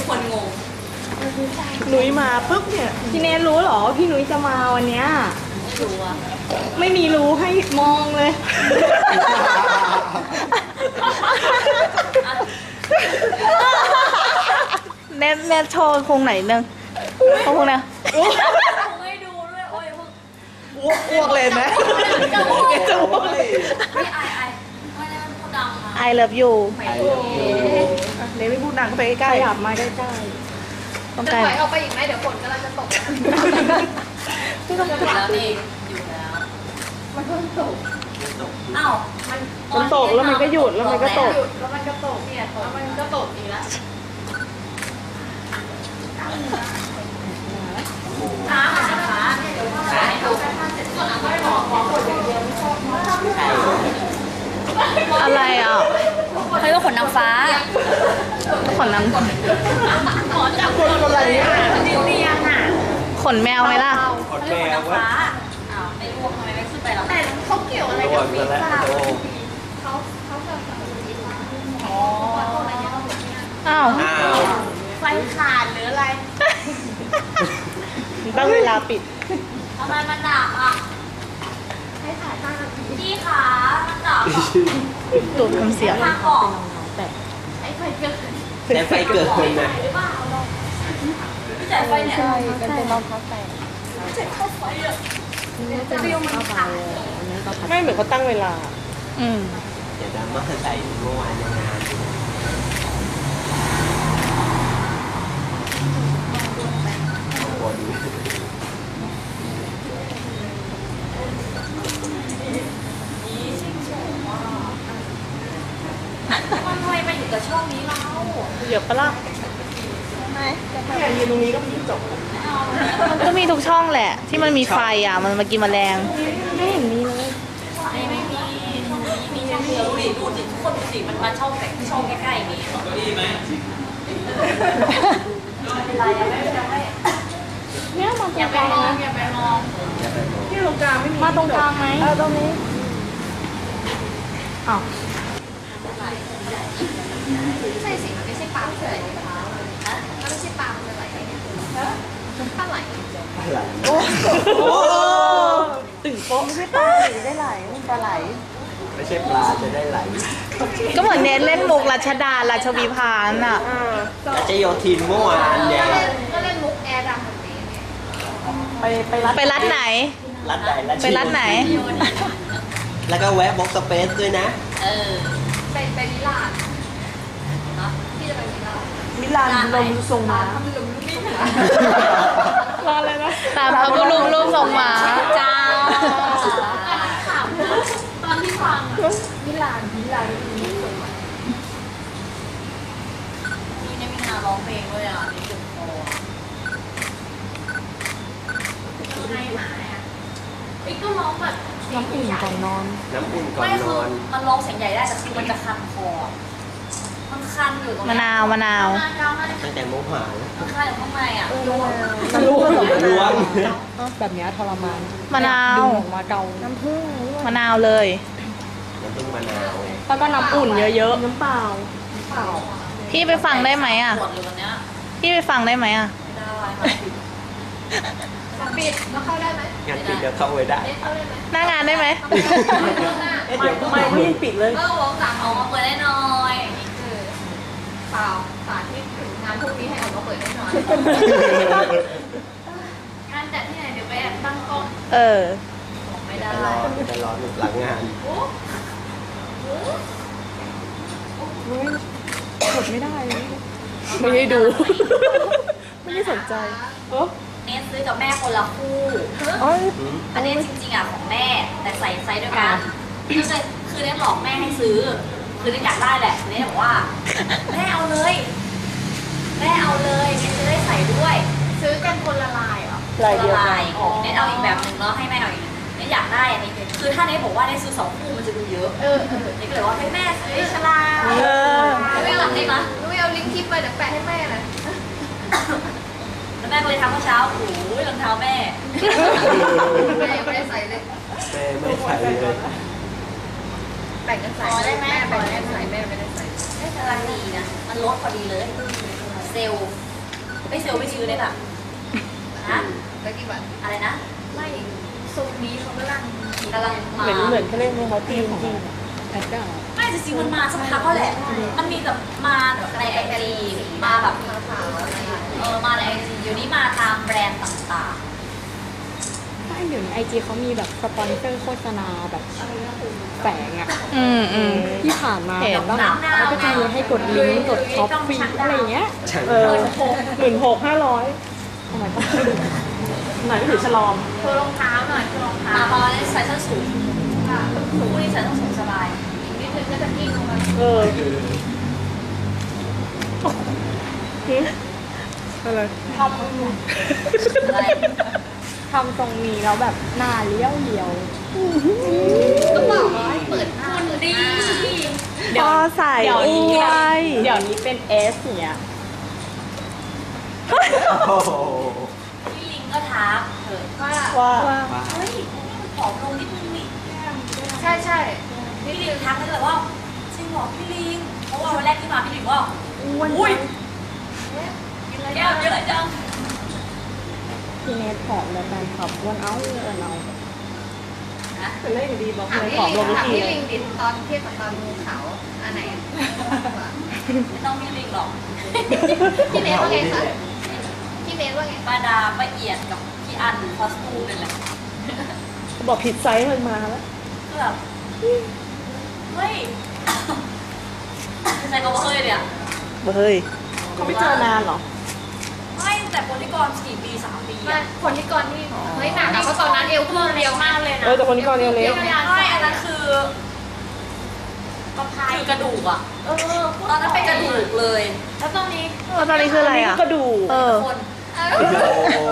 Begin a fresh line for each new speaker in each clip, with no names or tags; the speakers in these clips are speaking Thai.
คนงง
หนุ้ยมาปุ๊บเนี่ยพี่เนทรู้เหรอพี่หนุ้ยจะมาวันเนี้ย
ไม่รู้อะ
ไม่มีรู้ให้มองเลย
เน็ตโชว์พุงไหนนึงพุงเนี่ย
ไม่ดูด้วยโอ้ยพวก
อ้วกเลยไหม
จะอ้วกเลยไม่ไอไม่ได้มันพูดดังนะ
I love you
เนทไม่พูดดังก็ไปใกล้ๆขยับมาใกล้ๆ
ต้อง
จะ
ไกล
ถอยออกไปอีกไหมเดี๋ยวฝนกำลังจะตก
อยู่แล้วนี่อยู่แล้ว
มันเพิ่งตก
อ้าว
มันตกแล้วมันก็หยุดแล้วมันก็ตก
หยุดแล้วมันก็ตกเนี่ยแล้วมันก็ตกอีกแล้ว
ขาให้ดู
อะไรอ่ะ
ใครก็ขนนางฟ้า
ขนน้ำ
ขอจับคนอะไรอ่ะนิ้วเรียงอ่ะ
ขนแมวไหมล่ะ
ขนนางฟ้าอ้าวไม่รู้ทำไมไม่ขึ้นไปหรอ
แต่เขาเกี่ยวอะไรกับวีซ่าเขาจะอ๋อ
อ้าว
ไฟขาดหรืออะไร
ตั้งเวลาปิด
ทำไมมันดับอ่ะ
ให้ถ่าย5 นาที
พี่ขามันดับ
ตูดทำเสียง
ทางออก
ไอ้ไฟเกิด
แต่ไฟเกิดขึ้นนะ
หรือเปล่าพี่จ่ายไฟเนี่ย
มันเป็นรองเท้าแตะ
จ่ายค่าไฟอ่ะ
จะวิวมันขาด
ไม่เหมือนเขาตั้งเวลา
อืม
เดี๋ยวดำมาใส่เมื่อวานในงานบน
มันทำไมมาอยู่กับช่องนี้เรา
เหยียบปะล่ะเนี่ยยืนตรงนี้ก็มีจบ
มันก็มีทุกช่องแหละ ที่มันมีไฟอ่ะ มันมากินแมลง
ไม่เห็นมีเลย
ไม่มีช่องนี้มีช่องเดียวดูดิทุกคนดูสิมันมาช่องแต่ช่องใกล้ๆนี้ก็ดีไหมเป็นไรอะไม่
เนี่ยมาตร
อย่าง ไป
กลาง
มอง
นะ
อย่าไปมอง
ที่ตรงกลางไม่มี
มาตรงกลางไหม
ตรงนี้
อ้าว
ใช่สิมันไม่ใช่ปลาเฉยมันไม่ใช่ปลามันอะไรเนี่ยปลาไหล
โอ้ตึงโป๊ะไม่ใช่ปลาได้ไหลมันปลาไหล
ไม่ใช่ปลาจะได้ไหล
ก็เหมือนเน็ตเล่นมุกรัชดาราชวีพานอ่ะ
อาจจะโยทินเมื่อวานเนี่ย
ก็เล่นมุกแอร์ดำแบบนี้เนี่ย
ไปรัดไหน
รัดไหนรัด
ไปรัดไหน
แล้วก็แวะบ็อกสเปซด้วยนะ
เออ
ไปมิลานที่จะไปมิลาน
มิลานลมทรงม้า
ทำลมลูกนี่ค่ะ
ร้านอะไรนะ
ตามพระบุรุษรูปทรงหมา
เจ้า
ถามตอนที่ฟังมิลาน
นี่เนี่ยมีงานร้องเพลงด้วยอ่ะนี่จุดโตให้หมาอ่ะไอ้ก็ร้องแบบน้ำอุ่นก่อนนอน
น้ำอุ่นก่อน
ไม่
น
คือ
อน
มันร้องเสียงใหญ่ได้แต่คือมันจะคันคอมันคันอยู่ตรง
มะนาวมะนาว
ตั้งแต่โมหะ
มันคันอยู่ข้างในอ่ะ
มันรู้ว่า
ล้วง
แบบนี้ทรมาน
มะนาว
มาเกาน้ำผึ้ง
มะนาวเลย
น้ำผึ้งมะนาว
แล้วก็น้ำอุ่นเยอะๆน้ำเปล่า
พี่ไปฟังได้ไหมอ่ะ
ปวดเลยวันเนี้ย
พี่ไปฟังได้ไหมอ่ะ
ไม่ได้ค่ะ
ปิดแล้วเข้าได้ไหม
งานปิดเดี๋ยวเข้าไปได้
เข้าได้ไหม
หน้างานได้ไหม
เดี๋ยว
ไม่ยังปิดเลย
ก็วงสั่ง
ออกมาเปิดได้หน่อยอย่างนี้
เปล่าสาธิตถึงงานพวกนี้ให้ออกมาเปิดได้หน่อย
งานจัดที่ไหนเดี๋ยวไปตั้งกล้อง
เออ
บอกไม่
จะ
ได้
รอจะรอหลังงาน
กดไม่ได้เลยไม่ได้ดู ไม่ได้สนใจเออ
เนสซื้อกับแม่คนละคู่
อ๋อ
อันนี้จริงๆอ่ะของแม่แต่ใส่ไซส์ด้วยกันก็เลยคือเนสหลอกแม่ให้ซื้อ คือเนสอยากได้แหละเนสบอกว่าแม่เอาเลยเนสจะได้ใส่ด้วย
ซื้อกันคนละลายเหรอ
ลายเดียวกัน
เนสเอาอีกแบบหนึ่งแล้วให้แม่เอาอีกเนสอยากได้อันนี้คือถ้าเนสบอกว่าเนสซื้อ2 คู่มันจะดูเยอะเนสก็เลยว่าให้แม่ซื้อชลา ไม่หลังได้ไหม
นุ้ยเอาลิงก์คลิปไปเดี๋ยวแปะให้แม่นะ
แล้วแม่ก็เลยทำเมื่อเช้าโอ้ยรองเท้าแม่
แม่ยังไม่ได้ใส่เลย
แม่ไม่ใส่เลย
แบ่งกันใส่แม่แบ่งกันใส่แม่ไม่ได้ใส่
ได้กำลังดีนะ มันลดพอดีเลยเซลล์ไม่เซลล์ไม่ชื้อเลยแบบนะ
แล้วกี่บาท
อะไรนะ
ไม่ทรงนี้เขากำลัง
กำลังมา
เหมือนเขาเล่นในเขาตีของแอดด้า
ไม่จริงๆมันมาสักพักก็แหละ มันมีแบบมาแบบในไอจีมาแบบ
ขาวอะไรอย่างเงี้ย
มาในไอจีเดี๋ยวนี้มาตามแบรนด์ต่าง
ไม่เดี๋ยวนี้ไอจีเขามีแบบสปอนเซอร์โฆษณาแบบแฝงอะ ที่ผ่านมา
เห็น
แบบว่าเขาก็จะมีให้กดลิงก์กดช็อปฟรีอะไรอย่างเงี้ย
16,500
ทำไมต้อง
ไหนไม่ถือฉลอม
โชว์รองเท้าหน่อยโชว์รอง
ๆ
เท้า
มาพอได้ใส่ส้นสูงคู่นี้ใส่ส้นสูงสบาย
อีกนิดนึงก็จะกิ้งลงมา
เอออะไร
อะไร
ทำทรงนี้แล้วแบบหน้าเลี้ยวเลี้ยว
ก็บอกว่าให้เปิดหน้าเปิดหน้า
พอใส่
เดี๋ยว
อ
นี้
วย
เดี๋ยวนี้เป็นเอสเนี่ย
โอ้โห
พี่ลิงก็ทักเถอะ
ว่า
ว่า
เฮ้ยผอมลงนิดนึงนี่
ใช่ใช่
พี่ลิงทักเลยว่าจริงเหรอพี่ลิงเพราะว่าวันแรกที่มาพี่ลิงว่าอุ้ยแก้วเยอะจัง
พี่เนทผอมแล้วแฟนคลับอ้วนเอา
แต่เล่นอยู่ดีบอก
ถาม
เลย
พี่
ผอมล
ลิ
ง
ง
ทุก
ถาม
ที
พี่ลิงดิตอนเทียบกับตอนภูเขาอันไหน
ไม่ต้องพี่ลิงหรอก
พี่เนทว่าไงคะพี่เนทว่าไง
ป้าดาป้าเอียดกับพี่อันคอสตูมนั่นแหละ
บอกผิดไซส์มันมาแล้ว
ก็แบบเฮ้ยใส่กระเป๋าเลยเนี่ย
เฮ้ย
เขาไม่เจอนานเหรอ
ไม่แต่คนที่กร4 ปี3 ปี
ไม่
อะ
คนที่ก่อนนี่เฮ้ยหนักอะเพราะตอนนั้นเอวพุ่งเร็วมากเลยนะ
แต่คนนี้ก่อนเร็ว
ใช่อันนั้นคือคือกระดูกอะตอนนั้นเป็นกระดูกเลย
แล้วตอนนี้
แล้วตอนนี้คืออะไรอ่ะ
ก็ดู
เออ
คน
โอ้โห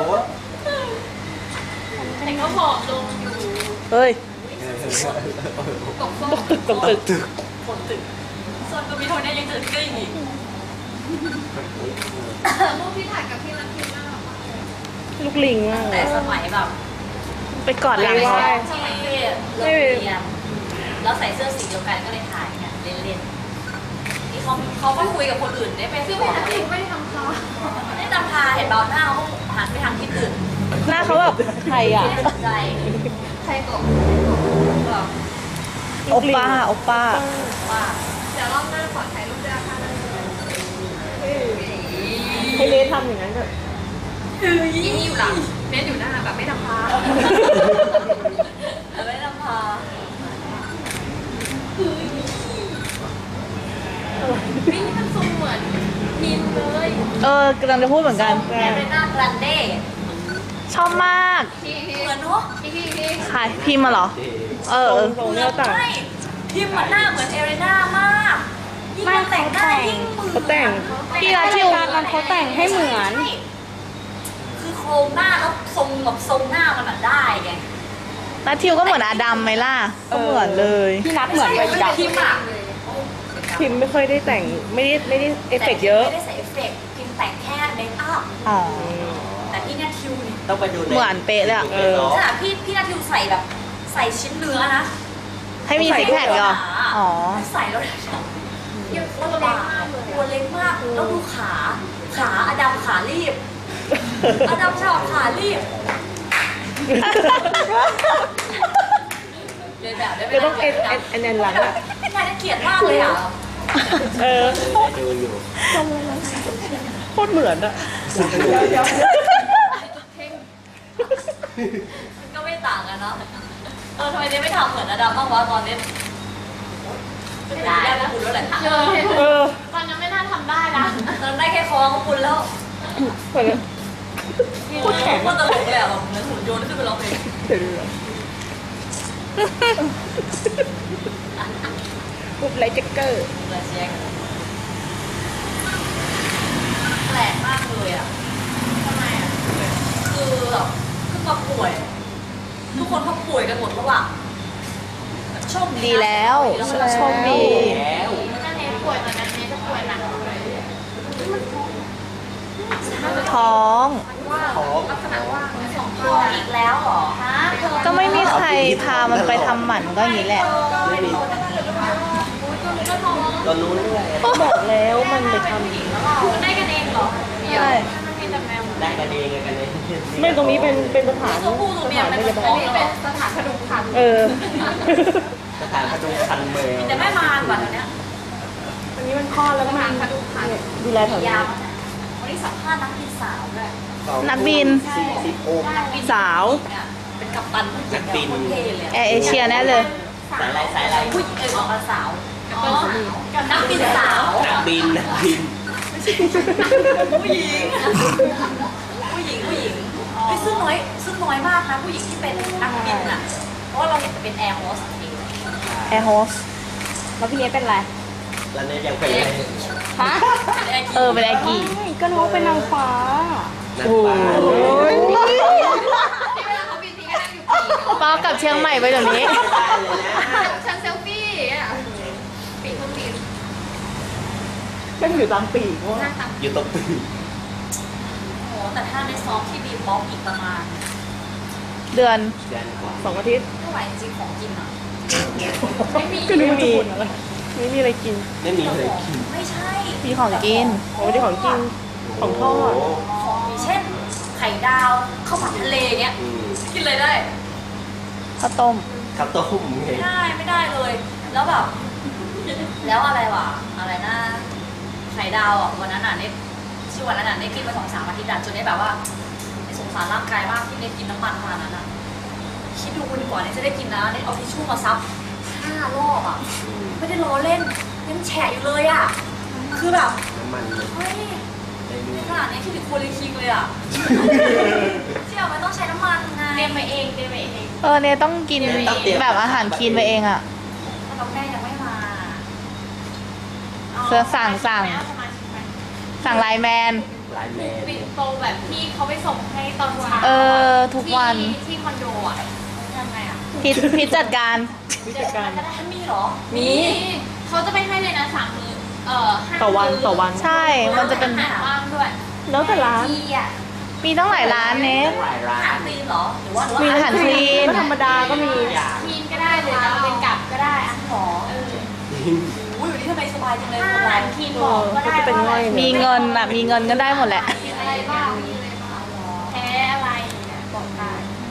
แต่ก็ผอมลงอยู่
เฮ้ย
ตกส้ม
ตกตึก
คนตึกส่วนก็มีโทนเนี่ยยังจะกลิ้งอีก
รูปที่ถ่ายกับพี่รันทีน่ารักมากเลย
ลูกลิงมากเล
แต่
ย
สมัยแบบ
ไปกอดหลัง
ไม่
เขา
ได้
ที่เลิกเรียนแล้วใส่เสื้อสีเดียวกันก็เลยถ่ายกันเล่นๆนี่เขาก็คุยกับคนอื่นได้ไป
คือ
ข
ไม่
อ
ได้
เล่น
ไม่ได้ทำคา
ไม่ได้ตามพาเห็นเบาหน้าเขาหันไปทางที่อื่น
หน้าเขาแบบไทยอ่ะ
ไม่ได้สนใจ
ใครบอก
แบบ
โอป้า โอป้า
ว่า
เดี๋ยวรอบหน้าขอถ่ายรูปด้วยค่ะ
ให้เลทำอย่างนั้นก็
อีนี่อยู่หลังเน้นอยู่หน้าแบบไม่ทำคา
ไม่ได้ตามพา
นี่มันทรงเหมือนมินเลย
กำลังจะพูดเหมือนกัน
แอเรน่ากรันเด้
ชอบมาก
พี่
เหมือนเนาะ
พี่
ใครพิมพ์มาเหรอ เออ
ตรงเนี่ยต่าง
ไม่พิมพ์มันหน้าเหมือนเอเรน่ามากยิ่งมันแต่งหน้ายิ่งเหมือน
เขาแต่ง
พี่รัฐทิว
การนั้นเขาแต่งให้เหมือน
ใช่คือโครงหน้าแล้วทรงแบบทรงหน้ามันอะได้ไง
นัททิวก็เหมือนอาดัมไหมล่ะ ก็เหมือนเลย
พี่นัดเหมือนไปดับ
พิมพ์อะ
พิมพ์ไม่ค่อยได้แต่งไม่ได้เอฟเฟกต์เยอะ
ไม่ได้ใส่เอฟเฟกต์พิมพ์แต่งแค่เมคอัพ
อ๋อ
แต่พี่นาทิวเนี่ย
ต้องไปดูใน
เหมือนเป๊ะเลยอะ
เออ
ขนาดพี่นาทิวใส่แบบใส่ชิ้นเนื้อนะ
ให้มีซิกแพคเหรอ อ๋อ
ใส่แล้วเนี่ยลำบากตัวเล็กมากแล้วดูขาอดัมขารีบอดัมชอบขารีบเรียนแบบได้ไหม
เดี๋ยวต้องเอ็นหลังอ่ะ
น่าจะเกลียดมากเลยอ่ะ
เออ
ดูอยู่
โคตรเหมือนอ่ะ
มันก็ไม่ต่างกันเนาะทำไมเนี่ยไม่ทำเหมือนอดัมบ้างวะตอนนี้ไม่ได้แล้วคุณแล้วแหละ
เออ
ตอนนั้นไม่น่าทำได้นะ
ตอนได้แค่คอของคุณแล้ว
เหมือน
โคตรแข็งโคตรตลกเลยอ่ะแบบเหมือนหุ่นยนต์ขึ้นไปร้องเพลง
เดี๋ยวปุ๊บไลท์แจ็คเกอร์
เลยเช็คแปลกมากเลยอ่ะทำไมอ่ะคือแบบคือมาป่วย ทุกคนเขาป่วยกันหมดแล้วอ่ะโชค
ดีแล้ว โชคดี
แล้ว
ถ้าเนทป่วยตอนนั้นเนทจะป่วยหนักเลย
ท้อง
ของ
ลักษณะว่าสอง
ป่วยอีกแล้วเหรอฮะ
ก็ไม่มีใครพามันไปทำหมันก็อย่างนี้แหละ
ไม่มีตอนนู้นด้วย
บอกแล้วมันไปท
ได้กันเองเหรอ
หรอ
ใช่
ได้กันเองกันเลย
ไม่ตรงนี้เป็นสถาน
ตัวผู้ตัวเมียเป็นแบบ
อันนี้เป็นสถานพดุงพันธุ์
เออ
สถานพดุงคันแมว
แต่แม่มารกว่าเดี๋ยวนี้
อันนี้มันคลอดแล้วก็มันดูแลแถวนี้
ยาววันนี้สัมภาษณ์นักบินสาวด้วย
นักบิน
สิบโอ๊ก
นักบิน
สาว
เนี่ยเป็นกัปตันผู้หญิง
นักบิน
เท่เลย
แอร์เอเชียแน่เลย
สายอะไรสายอะไร
ผู้หญิงบอกว่าสาวกับนักบินสาว
นักบินนักบิน
ผู้หญิงเฮ้ยซึ่งน้อยมากนะผู้หญิงที่เป็นนักบินอ่ะเพราะว่าเราเห็นจะเป็นแอร์โฮสเอง
แอร์โฮส
แล้วพี่เอเป็นอะไร
แล้วเนี่ยยังเป็นเลย
ฮะ
เออเป็นแอร์กี่
ไม่ก็น้องเป็นนางฟ้า
นักปลา
ที่เวลาเขาบินทีก็นั่งอยู่ปีก
ป้ากลับเชียงใหม่ไปเดี๋ยวนี้
ได้เลยนะ
ฉันเซลฟี่อ่ะปีกเครื่องบิน
ก็อยู่ตามปีกว่า
นั่งตาม
อยู่ตรงปีก
โอ้แต่ถ้าในซ้อมที่บีบล็อกอีกประมาณ
เดือน
เดือนกว่า
2 อาทิตย์
ไม่ไหวจริงของกินอ่ะ
ก็นึกว่าจะบ่นอะไรไม่มีอะไรกิน
ไม่มีเลยกิน
ไม่ใช่
มีของกิน
โอ้ยที่ของกิน ของทอด
โ
ของมีเช่น ไข่ดาวข้าวผัดทะเลเนี้ย
อืม
กินเลยได้
ข้าวต้ม
ข้าวต้มไง
ไม่ได้เลย แล้วแบบ แล้วอะไรวะอะไรนะไข่ดาวอ่ะวันนั้นอ่ะเนี่ยชื่อวันนั้นอ่ะเนี่ยกินมา2-3 อาทิตย์อ่ะจนได้แบบว่าสงสารร่างกายมากที่เนี่ยกินน้ำมันขนาดนั้นอ่ะคิดดูดีกว่าเนี่ยจะได้กินนะเนี่ยเอาทิชชู่มาซับ5 รอบอ่ะไม่ได้ล้อเล่นยังแฉะอยู่เลยอ่ะคือแบบ
น้ำมันเลย
เฮ้ย
ได้ดู
ขนาดนี้คิดถึงโคลีคิงเลยอ่ะเชี่ยมันต้องใช้น้ำมันไงเตรียมไปเองเตรียมไปเอง
เออเนี่ยต้องกินแบบอาหารคลีนไปเองอ่ะ
ถ้าแม่ยังไม่มา
เสื้อสั่งไลน์แมน
ลายแมน
ปิดโตแบบที่เขาไปส่งให้ตอนเช้า
เออ ทุกวัน
ที่คอนโดอ่ะ
ยังไงอ่ะ
พิจัดการ
วิธีการ
จะได้มีเหรอ
มี
เขาจะไปให้เลยนะ3 มื้อ5
ต่อวันต่อวัน
ใช่ มันจะเป็น
อาหารว่างด้วย
แล้วแต่ร้าน
ที่อ่ะ
มีตั้งหลายร้านเนส
ตั้งหลายร้า
อาหาร
น
ตีนเหรอหรือว่า
มีอาหารคลีน
ก็ธรรมดาก็มี
อย่าง
ทีนก็ได้เลยนะเป็นกับก็ได้อะ
หรออุ้ยวันนี้ทำไมสบายจังเลย
ถ้า
คน
อา
เรา
หารทีนบอกก็ได้
ก็จะเป็น
ว่า
ง่อย
มีเงินอ่ะ มีเงินก็ได้หมดแหละ
มีอะไรบ้างมีอะไรบ้างแพ้อะไรเนี่ยบอกได้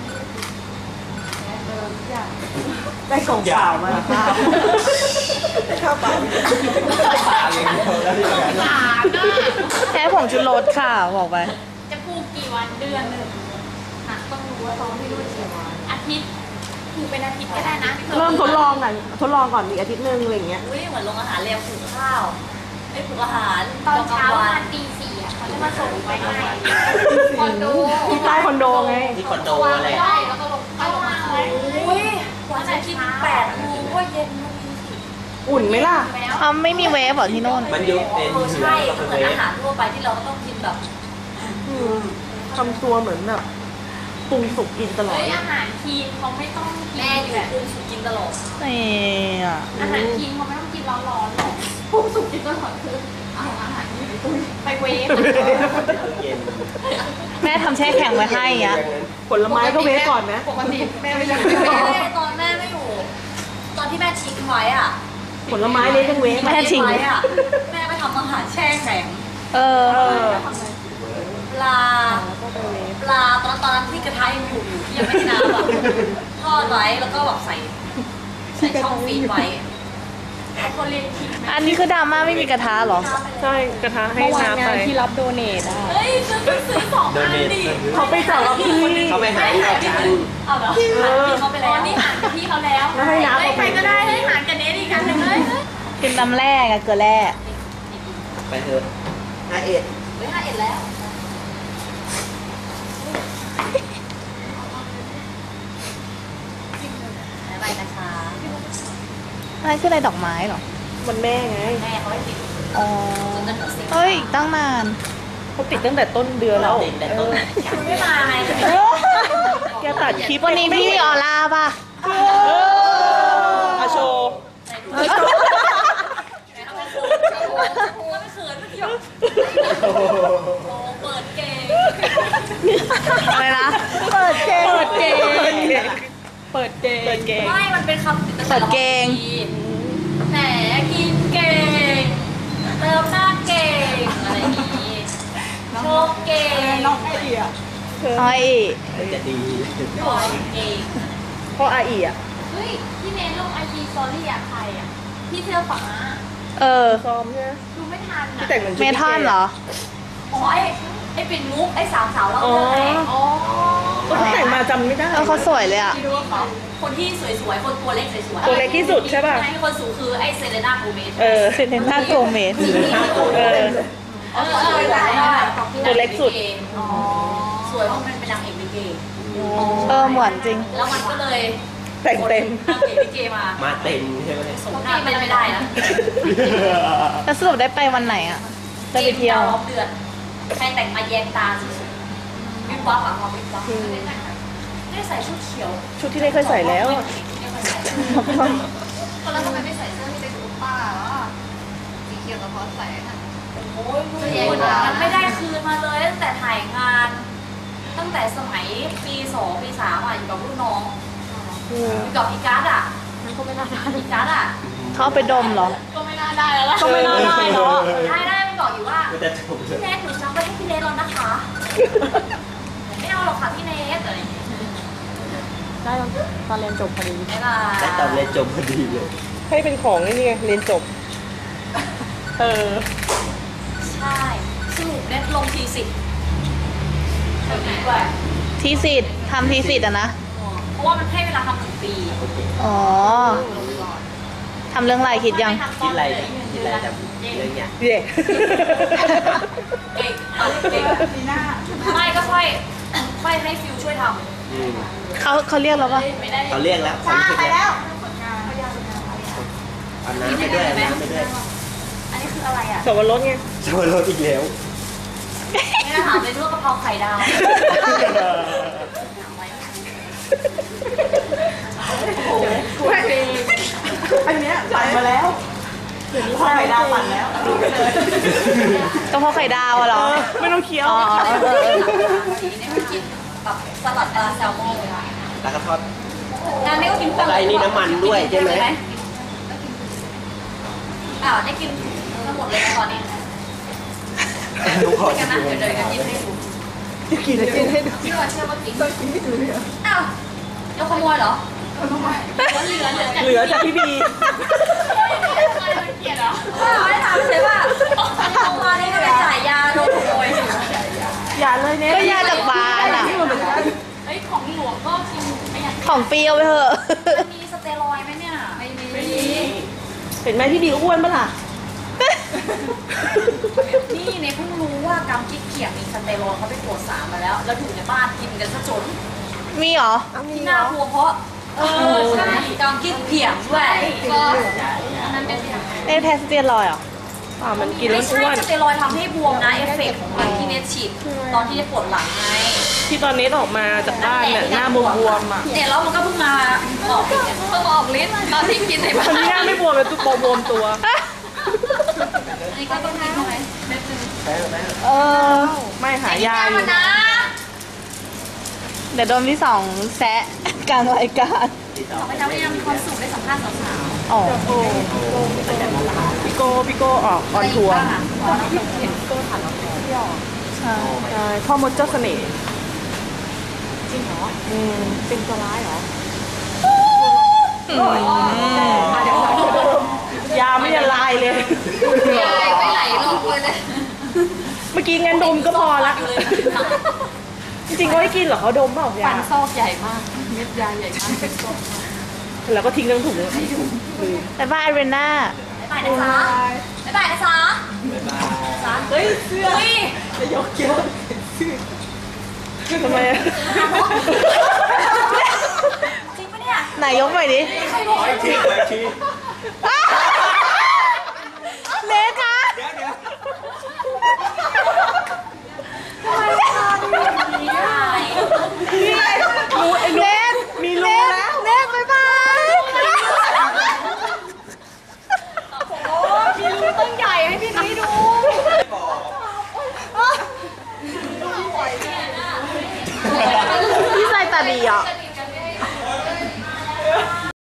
ได้กล่องเปล่ามาค่ะข้าวเปล่า
ปลาอย่างเดียวแล้วที่เหลือ
หลานน่ะ
แค่ผงชูรสค่ะ บอกไป
จะปลูกกี่วันเดือนหนึ่งอ่ะต้องรู้ว่าซ้อมที่นู่นกี่วันอาทิตย์ปลูกเป็นอาทิตย์ก็ได้นะ
เริ่มทดลองก่อนอีกอาทิตย์นึงอะไรอย่างเงี้ย
อุ้ยเหมือนโรงอาหารเรียมผูกข้าวไม่ผูกอาหาร
ตอนเช้า
วั
ประมาณตี 4อ่ะเขาจะมาส่งไปให้คอนโด
ที่ใต้คอนโดไง
ที่คอนโด
วาง
อะไร
ไว้แล้วก็ลงไปลงมาเลย
อุ้ยกว่าจะกิน8 โมงก็เย็นแล้วมีสิ
อุ่นไหมล่ะ
แล้ว
เขาไม่มีเวฟเหรอที่โน่น
มันยุบเป็น
เออ
เหือ
ใช่
แล้วก็
เห
เป็น
มือน
เว
อา
ฟ
หารทั่วไปที่เราก็ต้องกินแบบ
ทำตัวเหมือนแบบปรุงสุกกินตลอด
เฮ้ยอาหารทีนเขาไม่ต้องกิน
แม่อยู่
แบบ
ปรุงสุกกินตลอด
นี่อ่ะ
อาหารทีนเขาไม่ต้องกินร้อนๆหรอกปรุงสุกกินตลอดคือเอาอาหารที่ไปเวฟ
เย็น
แม่ทำแช่แข็งไว้ให้อ่ะ
ผลไม้ก็เวฟก่อนไหม
ปกติแม่ไม่ยัง
แม่ตอนแม่ไม่อยู่ ตอนที่แม่ทิ้งไว้อ่ะ
ผลไม้เล็กยังเวฟ
แม่ทิ้ง
ไว้อ่ะแม่ไปทำอาหารแช่แข็ง
เออ
ปลาตอนนั้นที่กระทะยังอยู่ที่ยังไม่ได้น้ำอ่ะทอดไว้แล้วก็แบบใส่ช่องฟรีซไว้
คนเรียนคิดไหม
อันนี้คือดราม่าไม่มีกระทะเหรอ
ใช่กระทะให้
เมื่อวาน
น้ำ
งา
ไป
นที่รับโดเนทอ่ะ
เฮ้ยซื้อ2
โด
อัน
เนท
ดิ
เขาไปจับกับพี่
เขาไปหาที่อาจารย์
เอาเหรอพี่เขาไป
อ๋
แล้
อ
ว
นี่อ่านกับพี่เขาแล้ว
แล้วให้น้ำ
เฮ้ย
เอา
ใค
ไป
รก็ได้ให้หารกันเนสอีกอันหนึ่งเลย
กินน้ำแร่กับเกลือแร่
ไปเถอะ51
เฮ้ย51แล้วบ๊ายบายนะคะ
อะไรคืออะไรดอกไม้เหรอ
มันแม่ไง
แม่เขาให้ติด
อ๋อ
จนจนถึง10
เฮ้ยอีกตั้งนาน
เขาติดตั้งแต่ต้นเดือนแล้ว
ติดแต่ต้น
คุณไม่มาไง
แกตัดคลิป
วันนี้พี่มีออร่าป่ะ
อาโชว์
ไหนดูไหนทำให้โค้งก็ไม่เขินไม่เกี่ยวโอ้เปิดเกม
อะไรนะ
เปิดเกม เปิดเกม เปิดเกม
ไม่มันเป็นคำติด
เปิดเกง
แหมกินเก่งเติมหน้าเก่งอะไรอย่างงี้เก่ง
น้องไอเดีย
อ้อย
มันจะดี
ปล่อยเก่ง
เพราะอาอีอ่ะ
เฮ้ยพี่เนทลงไอจีสตอรี่อะใครอะพี่เสื้อฟ้า
เออ
ซ้อมใช่ไหม
ดูไม่ทัน
ที่
อะ
แต่งเหมือน
เมทัลเหรอ
อ๋อไอ้ปิ่นมุกไอ้สาวเรา
อ๋อ
เลยอ๋อ
เขาแต่งมาจำไม่ได้
เออเขาสวยเลยอ่ะ
ที่ดูว่าเขาคนที่สวยๆคนตัวเล็กสวยๆ
ตัวเล็กที่สุดใช่ป่ะ
ให้คนสูงคือไอ้เซเลน่าโกเมส
เออ
เซเลน่าโกเมส
เออ ตัวเล็กสุด
อ๋อสวยเพราะมันเป็นนางเอกลิเก
เออเหมือนจริง
แล้วมันก็เลย
แต่งเต็ม
นางเอกลิเกมา
มาเต็มใช่ไหม
สมหน้าเป็นไม่ได้นะ
แล้วสรุปได้ไปวันไหนอ่ะ จะไปเที่ยว
รอบเดือนใครแต่งมาแยงตาสุดๆวิบวับอะความวิบวับได้ใส่ชุดเขียว
ชุดที่ได้เคยใส่แล้ว
คนแล้วทำไมไม่ใส่เสื้อที่เป็นอุปป้าสีเขียวกับพอใส่ค่ะ
โอ้ยคุณมันไม่ได้คืนมาเลยตั้งแต่ถ่ายงาน ตั้งแต่สมัยปี2ปี3อ่ะอยู่กับรุ่นน้องอยู่กับพี่การ์ดอ่ะ
มันก็ไม่น่าได้
พี่การ์ดอ่ะ
เขาเอาไปดมเหรอ
ก็ไม่น่าได้แล้วล่ะ
ก็ไม่น่าได้เนอะ
ได้มันบอกอยู่ว่า
ก็จะจบเล
พี่
ย
เนทหนูซักไปให้พี่เนทแล้วนะคะไม่เอาหรอกค่ะพี่เนทอะไรอย่างเงี้ย
ได้ตอนเรียนจบพอดี
ไม่ได้
แต่ตอนเรียนจบพอดีเลย
ให้เป็นของนี่ไงเรียนจบ เออ
ใช่สรุปเน็ตลงทีสิบแบบนี้ด้วย
ทีสิทธ์ทำทีสิทธ์อะนะ
เพราะว่ามันให้เวลาทำ1 ปี
อ๋อทำเรื่องอะไรคิดยัง
คิดอะไรคิดอะไรจำเรื่องเนี้ย
เย่
เก่งเก่งไม่ก็ค่อยให้ฟิวช่วยทำ
อืม
เขาเรียกเราปะ
ไม่ได้
เขาเรียกแล้วความคิดแล้วเอาน้ำไปด้วยเอาน้ำไปด้วย
อันนี้คืออะไรอ่ะ
สวรสไง
ชวนรถอีกแล้ว
ไม่ได้ถามเลยด้วยกะเพราไข่ดาวโอ้โห
อันเนี้ยปั่นมาแล้วไข่ดาวปั่นแล้ว
กะเพราไข่ดาวอะเหรอ
ไม่ต้องเคี้ยว
อ๋อเออ
ทีนี้ไม่กินแบบสลัดปลาแซลมอนเลยค่ะ
แล้วก็ทอด
งานนี้ก็กิน
อะไรนี่น้ำมันด้วยใช่ไหม
อ้าวได้กินทั้งหมดเลยนะตอนนี้
ลูกขอ
กันนะเดี๋ยวเดินกันยิ้มให้ดู
กินให้ดู
เชื่อว่ากินอ้าวเราขโมยเหรอเหลือจาก
เหลือจากพี่บี
ไม่ถามเลยว่าเอามานี่ก็ไปจ่ายยาโดนขโมย
อย่าเลยเนี่ย
ก็ยาจากบ้านอะ
เฮ้ยของหลวงก็กินไม่อยาก
ของเปรี้ยวไปเถอะ
มีสเตียรอยด์ไหมเนี่ยไม่มี
เห็นไหมพี่บีอ้วนปะล่ะ
นี่เนี่ยเพิ่งรู้ว่ากำกิ๊กเขียงมีสเตียรอยด์เขาไปตรวจสารมาแล้ว แล้วอยู่ในบ้านกินกันซะจน
มีเหรอ
ที่น่ากลัวเพราะใช่กำกิ๊กเขียงด้วยก็อันนั้นเป็น
ได้แทสเตียรอยด์เหรอ
มันกินแล้
ไม่
ว
ใช่
อ้วน
สเตียรอยด์ทำให้บวมนะเอฟเฟกต์ของมันที่เน็ตฉีดตอนที่ได้ปวดหลังไง
ที่ตอนนี้ออกมาจากบ้านเนี่ยหน้าบวมๆอ่ะ
เนี่ยแล้วมันก็เพิ่งมาออกอีกเนี่ยเพิ่งออกฤทธิ์ตอนที่กินในบ้า
คน นนี้หน้าไม่บวมเลยตัวบวมตัว
อันนี้ก็ต้องกินใช่ไหมเม็ดนึง
เออ
ไม่หายาอยู่
นะ
เดี๋ยวโดนพี่สองแซะกลางรายการ
ขอไปทำให้ยังมีความสุขได้สัมภาษณ์สาว
อ๋อ
พี่โก้ออกออนทัวร์
ใช่
ใช่พ่อมดเจ้าเสน่ห์
จริงเหรอ เป็นตัวร้ายเหรอ
ยาไม่ละลายเลย
ไม่ไหลลงเลย
เมื่อกี้งั้นดมก็พอละ จริงๆเขาให้กินเหรอเขาดมเปล่ายา
ซอกใหญ่มากเม็ดยาใหญ่มากเป็นซอก
แล้วก็ทิ้งทั้งถุง
บ๊ายบายเรน่า
บ๊ายบายนะจ๊ะบ๊ายบายนะจ๊ะเฮ้ยเสื้อเฮ้ย
ทำไมอะ
จริงปะเนี่ย
ไหนยกหน่อยดิ
ใครบอก
ไปที
อ้า